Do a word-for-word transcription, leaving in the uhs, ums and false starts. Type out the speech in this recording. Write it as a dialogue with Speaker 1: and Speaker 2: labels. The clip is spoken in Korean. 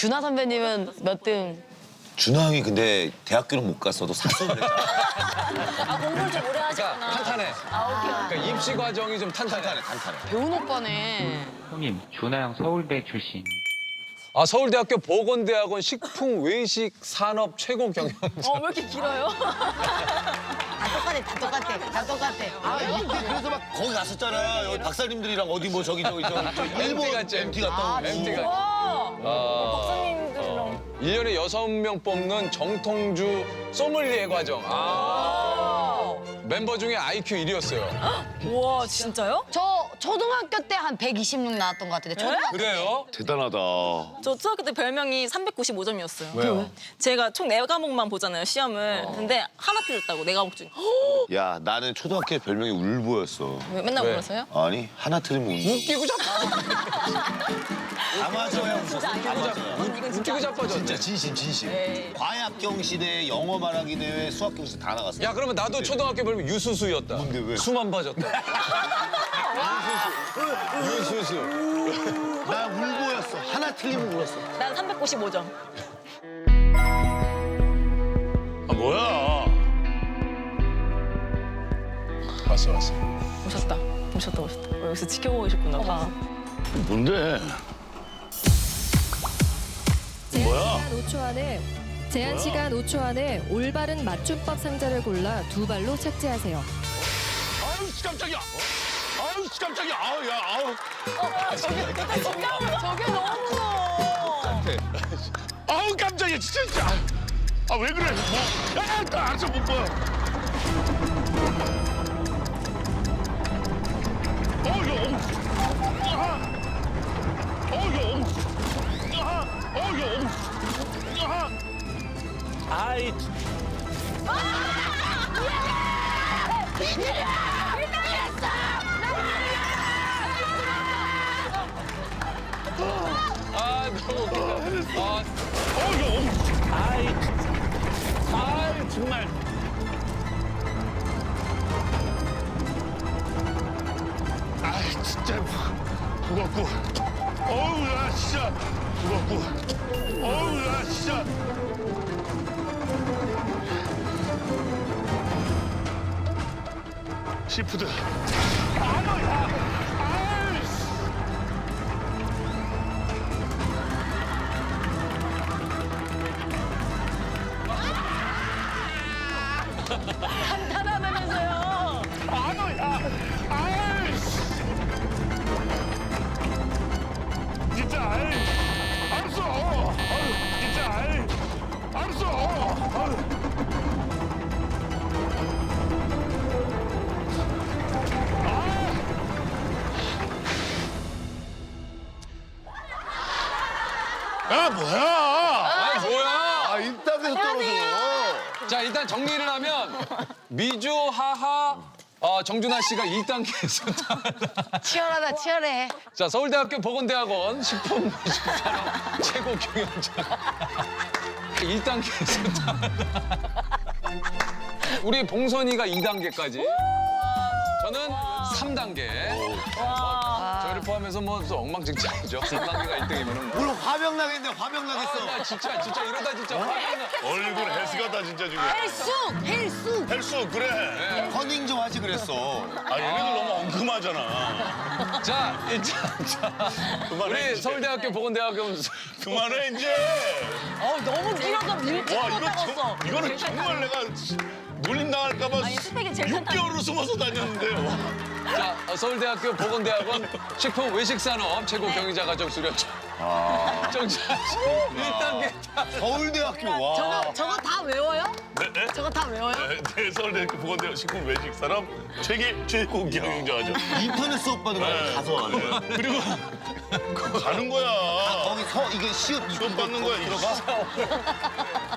Speaker 1: 준하 선배님은 몇 등?
Speaker 2: 준하 형이 근데 대학교는 못 갔어도 사수를 했잖아.
Speaker 3: 아, 공부를 좀 오래 하셨구나.
Speaker 4: 그러니까 탄탄해.
Speaker 3: 아, 오케이.
Speaker 4: 그러니까 입시 과정이 좀 탄탄해.
Speaker 2: 탄탄해, 탄탄해.
Speaker 1: 배운 오빠네.
Speaker 5: 형님, 준하 형 서울대 출신.
Speaker 4: 아, 서울대학교 보건대학원 식품 외식 산업 최고 경영자.
Speaker 3: 어, 왜 이렇게 길어요?
Speaker 1: 다 똑같아, 다 똑같아, 다 똑같아.
Speaker 2: 아, 형 그래서 막 거기 갔었잖아. 여기 박사님들이랑 어디 뭐 저기 저기 저기 저 일본
Speaker 4: 엠티 갔지,
Speaker 2: 엠티 갔다 오고.
Speaker 4: 엠티 갔지.
Speaker 3: 와,
Speaker 4: 아,
Speaker 3: 박사님들이랑.
Speaker 4: 일 년에 여섯 명 뽑는 정통주 소믈리에 과정. 아, 멤버 중에 아이큐 일 위였어요.
Speaker 3: 우와, 진짜요?
Speaker 1: 저 초등학교 때 한 백이십육 나왔던 것 같은데. 초등학교
Speaker 4: 그래요?
Speaker 2: 대단하다.
Speaker 3: 저 초등학교 때 별명이 삼백구십오 점이었어요.
Speaker 4: 왜요?
Speaker 3: 제가 총 네 과목만 보잖아요, 시험을. 근데 하나 틀렸다고, 네 과목 중에.
Speaker 2: 야, 나는 초등학교 때 별명이 울보였어.
Speaker 3: 왜 맨날
Speaker 4: 왜?
Speaker 3: 울었어요?
Speaker 2: 아니, 하나 틀리면 울보.
Speaker 4: 웃기고 자빠.
Speaker 2: 다 맞아야 웃었어. 다 맞아야.
Speaker 3: 이건 진짜.
Speaker 4: 웃기고 자빠졌네.
Speaker 2: 진짜 진심, 진심.
Speaker 3: 네.
Speaker 2: 과학경 시대, 영어 말하기 대회, 수학경 시대 다 나갔어.
Speaker 4: 야, 그러면 나도 초등학교 별명 유수수였다.
Speaker 2: 뭔데, 왜?
Speaker 4: 수만 봐줬다. 유수수. 유수수.
Speaker 2: 나 울보였어. 하나 틀리면 울었어.
Speaker 3: 난 삼백구십오 점.
Speaker 2: 아, 뭐야?
Speaker 4: 왔어, 왔어.
Speaker 3: 오셨다. 오셨다, 오셨다. 어, 여기서 지켜보고 계셨구나, 다.
Speaker 2: 뭔데?
Speaker 6: 제한
Speaker 2: 뭐야?
Speaker 6: 시간 오 초 안에 제한 시간 오 초 안에 올바른 맞춤법 상자를 골라 두 발로 착지하세요.
Speaker 2: 아유, 깜짝이야. 아유, 깜짝이야. 아우, 야, 아우.
Speaker 3: 저게, 저게, 저게 너무 무서워.
Speaker 2: 아우, 깜짝이야, 진짜. 아, 왜 그래? 뭐. 야, 나 알았어, 못 봐. 어, 야, 어. 아. 어, 야, 어. 아. 어, 야, 어. 아. 아이.
Speaker 4: 아, 너무 웃기다. 아,
Speaker 2: 어, 야, 어. 아이. 아이, 정말. 아이, 진짜 무겁고. 어우, 야, 진짜 무겁고. 어우, 야, 진짜. 시푸드. 아유, 야. 아이씨.
Speaker 3: 간단하다면서요.
Speaker 2: 아유, 야. 아이씨. 진짜, 아이. 알았어. 아유, 진짜, 아이. 알았어. 아유. 야, 뭐야?
Speaker 4: 아, 뭐야?
Speaker 2: 아, 인터뷰에서 떨어져.
Speaker 4: 자, 일단 정리를 하면 미주, 하하, 어, 정준하 씨가 일 단계에서
Speaker 1: 치열하다, 치열해.
Speaker 4: 자, 서울대학교 보건대학원 식품 외식산업 최고 경영자. 일 단계에서 우리 봉선이가 이 단계까지. 저는 삼 단계. 저희를 포함해서 뭐 또 엉망진창이죠. 삼 단계가 일 등이면은 뭐.
Speaker 2: 오늘 화병 나겠네, 화병 나겠어.
Speaker 4: 나 진짜 진짜 이러다 진짜 화가 나.
Speaker 2: 얼굴 헬스 같다, 진짜 지금.
Speaker 1: 헬쑥, 헬쑥.
Speaker 2: 헬스, 그래. 커닝 좀 하지 그랬어. 아, 얘네들 너무 엉큼하잖아.
Speaker 4: 자, 일단 자,
Speaker 2: 그만해,
Speaker 4: 우리
Speaker 2: 이제.
Speaker 4: 서울대학교 보건대학원
Speaker 2: 그만해, 이제.
Speaker 3: 어, 너무 길어서 밀짚
Speaker 2: 와, 이거
Speaker 3: 못하겠어.
Speaker 2: 정, 이거는 정말 내가 놀림 당할까봐
Speaker 3: 아니, 스펙이 제일
Speaker 2: 육 개월을 숨어서 다녔는데요.
Speaker 4: 자, 어, 서울대학교 보건대학원 식품 외식산업 최고 경영자 과정 수료자.
Speaker 2: 아.
Speaker 4: 정준하 씨 일 단계.
Speaker 2: 서울대학교, 와.
Speaker 1: 저거, 저거 다 외워요?
Speaker 2: 네?
Speaker 1: 저거 다 외워요?
Speaker 2: 네, 서울대학교 보건대학 식품 외식산업 최계 최고 경영자죠. 인터넷 수업 받으러 가서 하는. 그리고 가는 거야. 거기 서 이게 시험 시험 받는 거야. 들어가.